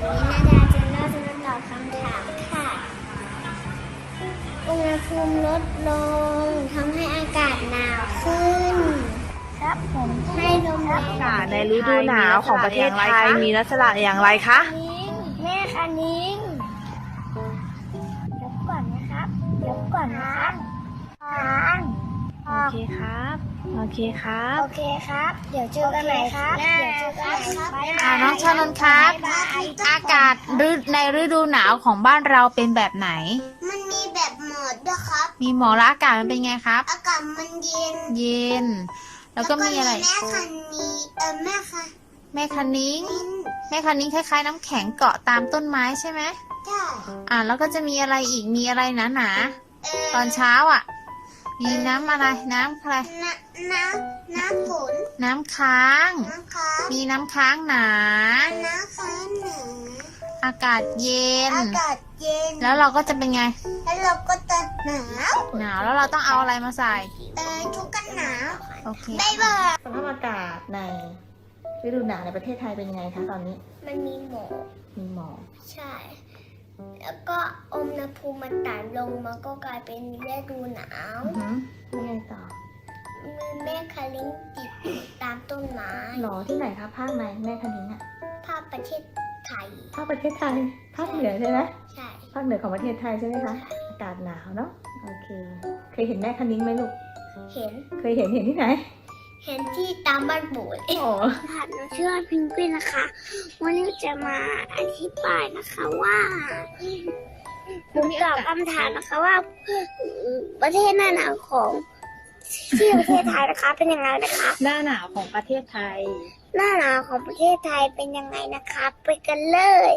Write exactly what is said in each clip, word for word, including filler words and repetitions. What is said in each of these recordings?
วันนี้นาดาจะเล่าจะมาตอบคำถามค่ะอุณหภูมิลดลงทำให้อากาศหนาวขึ้นครับผมให้ลมแรงอากาศในฤดูหนาวของประเทศไทยมีลักษณะอย่างไรคะแม่คะนิ้งเดี๋ยวก่อนนะครับเดี๋ยวก่อนนะครับโอเคครับโอเคครับโอเคครับเดี๋ยวเจอกันใหม่ครับเดี๋ยวเจอกันใหม่ครับอ่าน้องชานนท์ครับอากาศในฤดูหนาวของบ้านเราเป็นแบบไหนมันมีแบบหมดด้วยครับมีหมอกแล้วอากาศมันเป็นไงครับอากาศมันเย็นเย็นแล้วก็มีอะไรแม่คันนี้เออแม่ค่ะแม่คันนิ้งแม่คันนิ้งคล้ายๆน้ำแข็งเกาะตามต้นไม้ใช่ไหมใช่อ่าแล้วก็จะมีอะไรอีกมีอะไรหนาๆตอนเช้าอ่ะมีน้ำอะไรน้ำอะไรน้ำน้ำน้ำฝนน้ำค้างน้ำค้างมีน้ำค้างหนาน้ำค้างหนาอากาศเย็นอากาศเย็นแล้วเราก็จะเป็นไงแล้วเราก็จะหนาวหนาวแล้วเราต้องเอาอะไรมาใส่เออชุดกันหนาวโอเคบ๊ายบายสภาพอากาศในฤดูหนาวในประเทศไทยเป็นยังไงคะตอนนี้มันมีหมอกมีหมอกใช่แล้วก็อุณหภูมิมันต่ำลงมันก็กลายเป็นฤดูหนาวยังไงต่อมีแม่คาลิงติดตามต้นไม้หรอที่ไหนคะภาคไหนแม่คาลิงอ่ะภาคประเทศไทยภาคประเทศไทยภาคเหนือใช่ไหมใช่ภาคเหนือของประเทศไทยใช่ไหมคะอากาศหนาวเนาะโอเคเคยเห็นแม่คาลิงไหมลูกเห็นเคยเห็นเห็นที่ไหนเห็นที่ตามบ้านปู่เอ๋ค่ะหนูชื่อพิงกี้นะคะวันนี้จะมาอธิบายนะคะว่าผมตอบคำถามนะคะว่าประเทศหน้าหนาวของที่ประเทศไทยนะคะเป็นยังไงนะคะหน้าหนาวของประเทศไทยหน้าหนาวของประเทศไทยเป็นยังไงนะคะไปกันเลย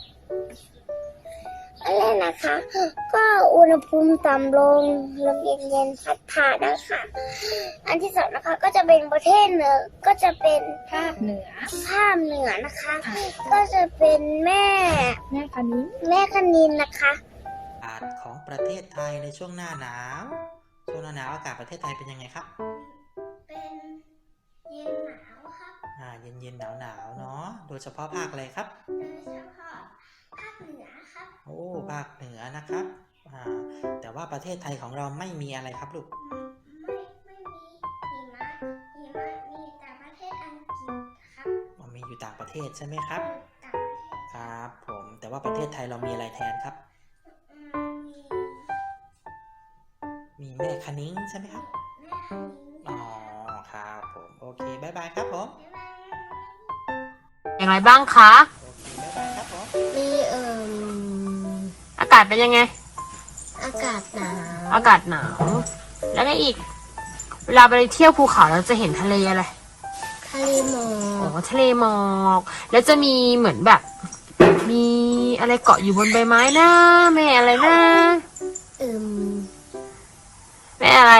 อะไรนะคะก็อุณหภูมิต่ำลงลมเย็นๆพัดผ่านนะคะอันที่สองนะคะก็จะเป็นประเทศเหนือก็จะเป็นภาคเหนือภาคเหนือนะคะก็จะเป็นแม่แม่คณินแม่คณินนะคะอากาศของประเทศไทยในช่วงหน้าหนาวช่วงหน้าหนาวอากาศประเทศไทยเป็นยังไงครับเป็นเย็นหนาวครับอ่าเย็นเย็นหนาวหนาวเนาะโดยเฉพาะภาคอะไรครับโดยเฉพาะภาคเหนือครับโอ้ภาคเหนือนะครับอ่าแต่ว่าประเทศไทยของเราไม่มีอะไรครับลูกไม่ไม่มีหิมะหิมะมีแต่ประเทศอังกฤษครับมันมีอยู่ต่างประเทศใช่ไหมครับต่างประเทศครับผมแต่ว่าประเทศไทยเรามีอะไรแทนครับมีแม่คณิ้งใช่ไหมครับแม่คณิ้งอ๋อครับผมโอเคบ๊ายบายครับผมอย่างไรบ้างคะโอเคบ๊ายบายครับผมมีเอ่ออากาศเป็นยังไงอากาศหนาวอากาศหนาวแล้วก็อีกเวลาไปเที่ยวภูเขาเราจะเห็นทะเลอะไรทะเลหมอกอ๋อทะเลหมอกแล้วจะมีเหมือนแบบมีอะไรเกาะอยู่บนใบไม้นะแม่อะไรนะอืมแม่อะไร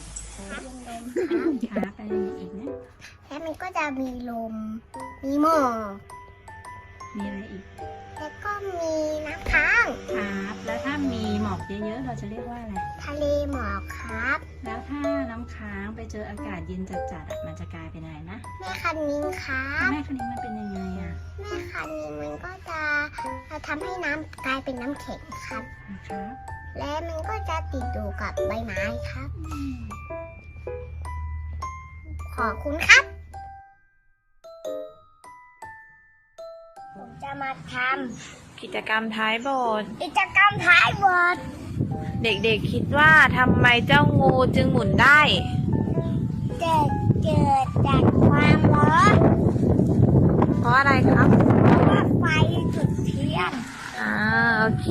ขาไปอีกนะแล้วมันก็จะมีลมมีหมอกมีอะไรอีกแล้วก็มีน้ำค้างครับแล้วถ้ามีหมอกเยอะๆเราจะเรียกว่าอะไรทะเลหมอกครับแล้วถ้าน้ำค้างไปเจออากาศเย็นจัดๆมันจะกลายเป็นอะไรนะแม่คันนิ้งครับแม่คันนิ้งมันเป็นยังไงอ่ะแม่คันนิ้งมันก็จะทำให้น้ำกลายเป็นน้ำแข็งครับนะครับและมันก็จะติดอยู่กับใบไม้ครับขอบคุณครับผมจะมาทำกิจกรรมท้ายบทกิจกรรมท้ายบทเด็กๆคิดว่าทำไมเจ้างูจึงหมุนได้เกิดเกิดจากความร้อนเพราะอะไรครับเพราะว่าไฟจุดเทียนอ่าโอเค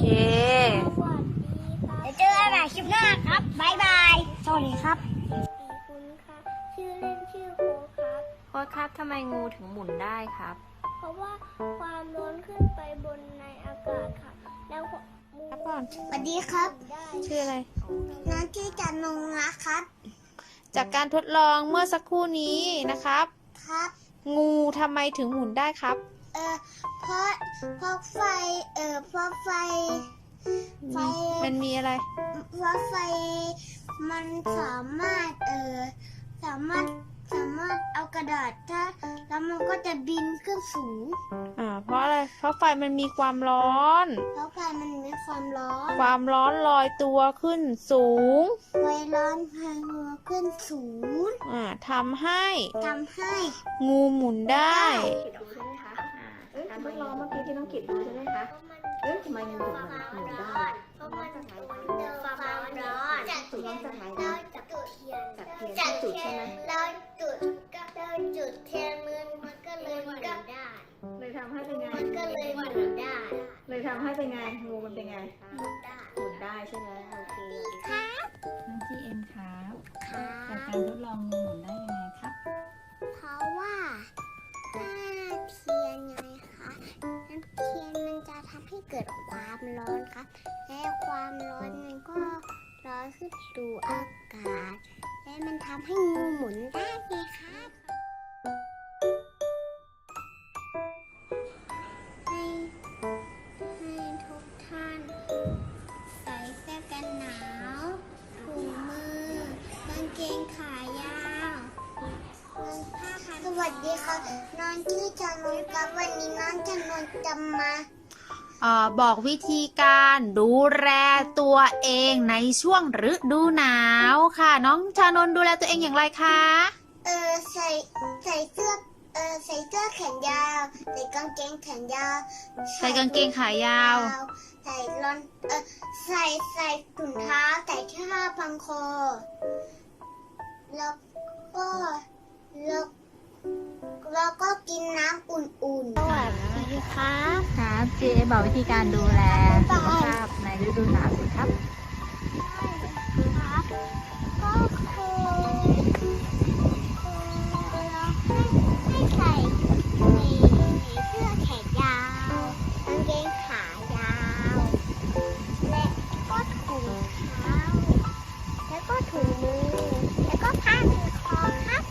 เดี๋ยวเจอกันใหม่คลิปหน้าครับบ๊ายบายสวัสดีครับคุณค่ะชื่อเล่นชื่อโค้ดครับโค้ดครับทำไมงูถึงหมุนได้ครับเพราะว่าความร้อนขึ้นไปบนในอากาศค่ะแล้วงูก่อนสวัสดีครับชื่ออะไรน้องชื่อจันนงนะครับจากการทดลองเมื่อสักครู่นี้นะครับครับงูทำไมถึงหมุนได้ครับเออเพราะเพราะไฟเออเพราะไฟไฟมันมีอะไรเพราะไฟมันสามารถเออสามารถสามารถเอากระดาษถ้าแล้วมันก็จะบินขึ้นสูงอ่า เพราะอะไร เพราะไฟมันมีความร้อนเพราะไฟมันมีความร้อนความร้อนลอยตัวขึ้นสูงไฟร้อนพางัวขึ้นสูงอ่าทำให้ทำให้งูหมุนได้การทดลองเมื่อกี้ที่น้องกิตดูใช่ไหมคะ เอ๊ะทำไมมันถึงมันหมุนได้เพราะมันเจอความร้อนจากถูกเทีต้ยองนสถานเราการณ์จุดเทียนจากเทียนจากจุดเทีใช่ยไหมนเราจุดก็เราจุดเทียนมันมันก็เลยหมุนได้เลยทำให้เป็นไงมันก็เลยหมุนได้เลยทำให้เป็นไง งูมันเป็นไงหมุนได้หมุนได้ใช่ไหมโอเคครับน้องจีเอ็มครับครัจากบการทดลองงูหมุนได้ยังไงครับเพราะว่าถ้าเทียนไงคะน้ำเทียนมันจะทำให้เกิดความร้อนครับและความร้อนมันก็ร้อนขึ้นสู่อากาศ และมันทำให้งูหมุนได้ไงครับให้ให้ทุกท่านใส่เสื้อกันหนาวถุงมือกางเกงขายาว สวัสดีค่ะน้องชื่อจานนท์ครับวันนี้น้องจานนท์จะมาเอ่อบอกวิธีการดูแลตัวเองในช่วงฤดูหนาวค่ะ น้องชานนท์ดูแลตัวเองอย่างไรคะเออใส่ใส่เสื้อเออใส่เสื้อแขนยาวใส่กางเกงแขนยาวใส่กางเกงขายาวใส่รอนเออใส่ใส่ถุงเท้าใส่เสื้อพันคอแล้วก็แล้วแล้วก็กินน้ำอุ่นๆสวัสดีครับครับจีเอ็มบอกวิธีการดูแลสุขภาพในฤดูหนาวสิครับครับก็คือคือเราให้ให้ใส่ในในเสื้อแขนยาวกางเกงขายาว และก็ถุงเท้าแล้วก็ถุงมือแล้วก็ผ้าพันคอครับ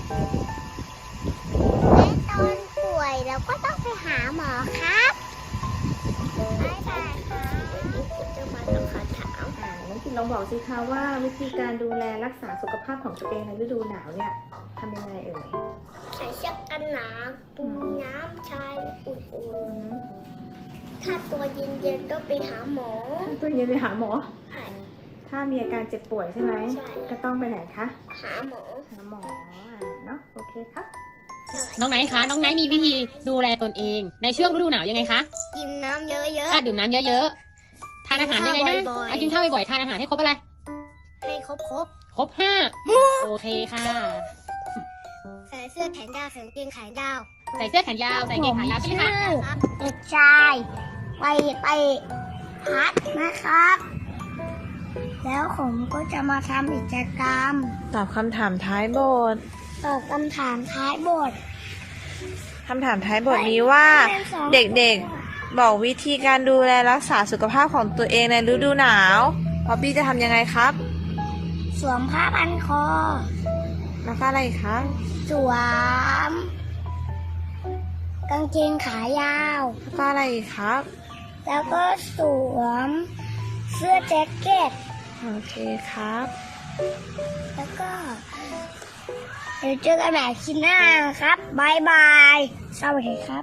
และตอนป่วยเราก็ต้องไปหาหมอครับบ๊ายบายครับจะมาตอบคำถามอ่าน้องกิตลองบอกสิคะว่าวิธีการดูแลรักษาสุขภาพของตัวเองในฤดูหนาวเนี่ยทำยังไงเอ่ยใส่เสื้อกันหนาวปูน้ำชายอุ่นอืมๆ ถ้าตัวเย็นๆก็ไปหาหมอตัวเย็นไปหาหมอใช่ถ้ามีอาการเจ็บป่วยใช่ไหมใช่ก็ต้องไปไหนคะหาหมอหาหมออ่าเนาะ โอเคครับน้องไนท์คะ น้องไนท์มีวิธีดูแลตนเอง ในช่วงฤดูหนาวยังไงคะกินน้ำเยอะถ้าดื่มน้ำเยอะๆ ทานอาหารยังไงนะกินข้าวบ่อยๆอ่ะกินข้าวบ่อยๆ ทานอาหารให้ครบอะไรๆ ให้ครบครบห้าโอเคค่ะๆ ใส่เสื้อแขนยาวใส่กางเกงขายาวใส่เสื้อแขนยาว ใส่กางเกงขายาวใช่ไหมคะครับเด็กชายไปไปพัดนะครับ แล้วผมก็จะมาทำกิจกรรมตอบคำถามท้ายบทตอบคำถามท้ายบทคำถามท้ายบทมีว่า เด็กๆ บอกวิธีการดูแลรักษาสุขภาพของตัวเองในฤดูหนาวป๊อปปี้จะทำยังไงครับสวมผ้าพันคอแล้วก็อะไรอีกคะสวม กางเกงขายาวแล้วก็อะไรอีกครับแล้วก็สวม เสื้อแจ็คเก็ตโอเคครับแล้วก็ เดี๋ยวเจอกันใหม่คลิปหน้าครับบายบาย สวัสดีครับ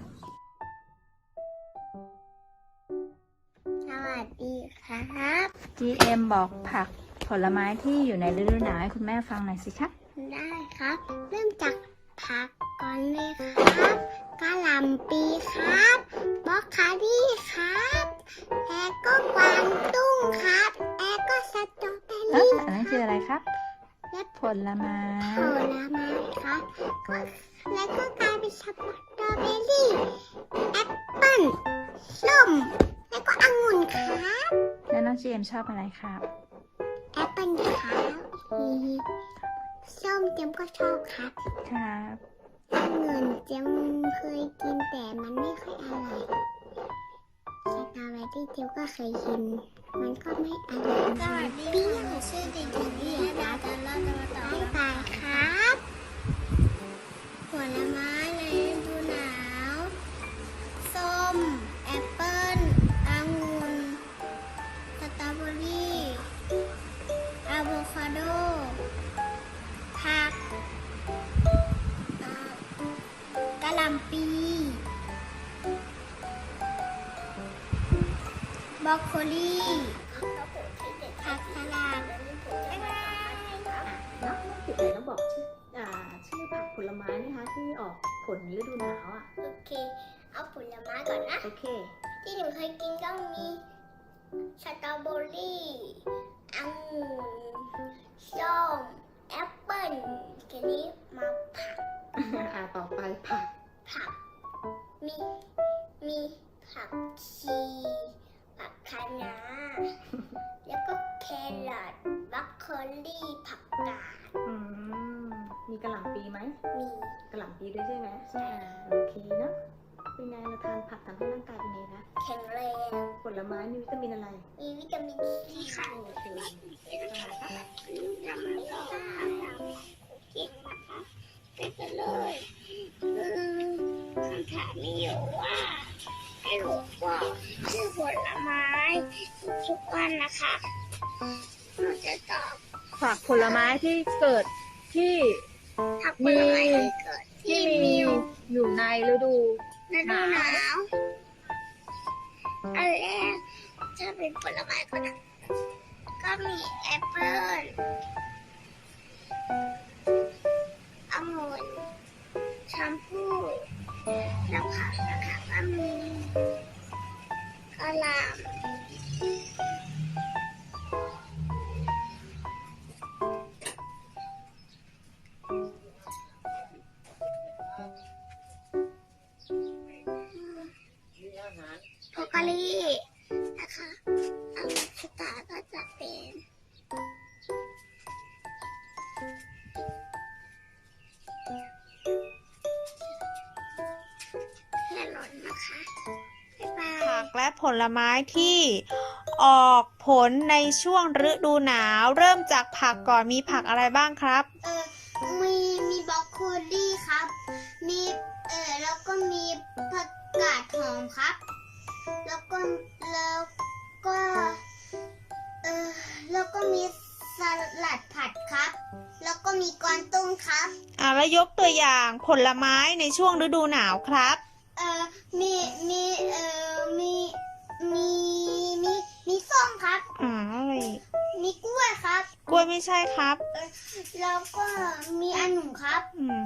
สวัสดีครับจีเอ็มบอกผักผลไม้ที่อยู่ในฤดูหนาวให้คุณแม่ฟังหน่อยสิครับได้ครับ เริ่มจากผักก่อนเลยครับกะหล่ำปีครับบรอกโคลี่ครับแล้วก็กวางตุ้งครับแล้วก็สตรอเบอแล้วรี่อันนั้นคืออะไรครับและผลไม้ผลไม้ครับก็แล้วก็กลายเป็นสตรอเบอรี่แอปเปิ้ลส้มแล้วก็องุ่นครับแล้วน้องจีเอ็มชอบอะไรครับแอปเปิ้ลครับส้มเจมก็ชอบครับครับองุ่นเจมเคยกินแต่มันไม่ค่อยอร่อยสตรอเบอรี่เจมก็เคยกิน มันก็ไม่อร่อยมันเปรี้ยวชื่อเด็กๆนี่นะจะเล่าจะมาต่อไปครับผลไม้ในฤดูหนาวส้มแอปเปิ้ลองุ่นสตรอเบอรี่อะโวคาโดผักผบรอกโคลีผักสลัดบ๊ายบายเนาะติดเลยต้องบอกชื่ออ่าชื่อผักผลไม้นะคะที่ออกผลฤดูหนาวอ่ะโอเค เอาผลไม้ก่อนนะโอเคที่หนูเคยกินก็มีสตรอเบอรี่องุ่นส้มแอปเปิ้ลทีนี้มาผักอ่าต่อไปผักผัก มี มีผักชีผักคะน้า แล้วก็แครอทบรอกโคลีผักกาดอืมมีกระหล่ำปีไหมมีกระหล่ำปีด้วยใช่ไหมใช่โอเคเนาะเป็นไงเราทานผักทำให้ร่างกายเป็นไงคะแข็งแรงผลไม้มีวิตามินอะไรมีวิตามินซีค่ะโอเคจะมาลองกินนะคะไปกันเลยอืมคำถามมีอยู่ว่าให้หนูบอกชื่อผลไม้ทุกวันนะคะหนูจะตอบผักผลไม้ที่เกิดที่ผักผลไม้ที่เกิดที่มีอยู่ในฤดูฤดูหนาวอันแรกถ้าเป็นผลไม้ก็นะก็มีแอปเปิ้ลองุ่นแชมพูแล้วผักนะคะก็มีกะหล่ำโพกาลีนะคะอันสตาร์ก็จะเป็นแครอทนะคะบ๊ายบายผักและผลไม้ที่ออกผลในช่วงฤดูหนาว เริ่มจากผักก่อนมีผักอะไรบ้างครับเออมีมีบรอกโคลีครับ มีเออแล้วก็มีผักกาดหอมครับ แล้วก็แล้วก็เออแล้วก็มีสลัดผัดครับ แล้วก็มีกวางตุ้งครับอ่าแล้วยกตัวอย่างผลไม้ในช่วงฤดูหนาวครับเออมีมีเออมีมีมีมีส้มครับอ่าอะไรอีกมีกล้วยครับกล้วยไม่ใช่ครับเออแล้วก็มีองุ่นครับอืม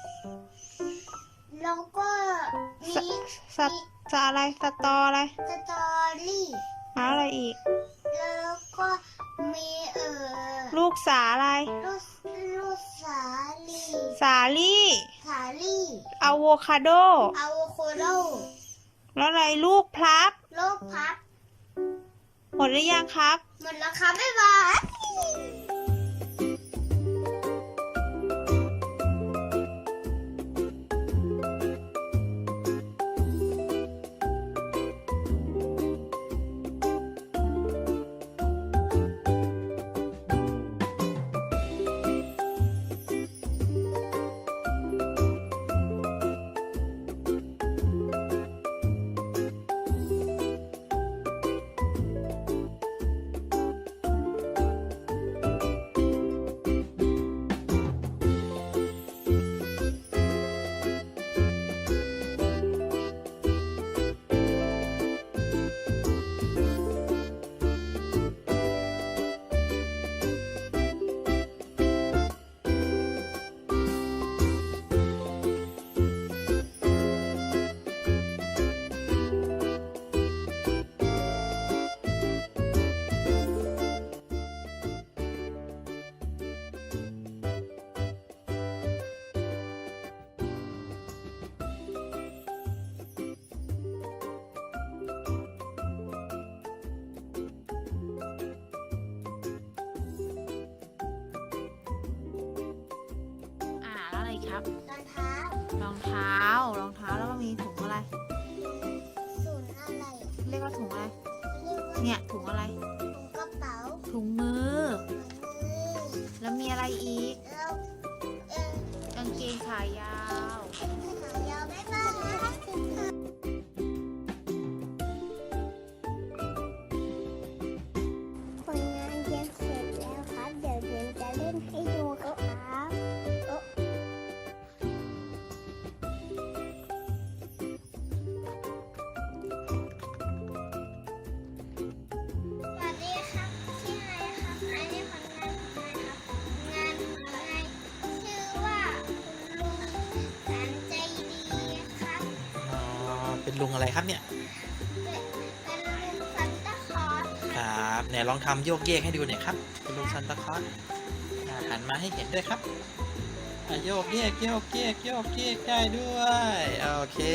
แล้วก็มีสตสะอะไรสตออะไรสตรอรี่แล้วอะไรอีกแล้วก็มีเอ่อลูกสาอะไรลูกลูกสาลีสาลี่สาลี่อะโวคาโดอะโวคาโดแล้วอะไรลูกพลับลูกพับหมดหรือยังครับหมดแล้วครับบ๊ายบายอ่าแล้วอะไรอีกครับรองเท้ารองเท้ารองเท้าแล้วก็มีถุงอะไรศูนย์อะไรเรียกว่าถุงอะไรเรียกว่าเนี่ยถุงอะไรถุงกระเป๋าถุงมือถุงมือแล้วมีอะไรอีกแล้วเออกางเกงขายาวขายาวบ๊ายบายผลงานเย็นเสร็จแล้วครับ เดี๋ยวเย็นจะเล่นให้ดูครับโอ๊ะเป็นลุงอะไรครับเนี่ยเป็นซันตาคลอสครับไหนลองทำโยกเยกให้ดูหน่อยครับเป็นลุงซันตาคลอสอ่าหันมาให้เห็นด้วยครับอ่ะโยกเยกโยกเยกโยกเยกได้ด้วยโอเค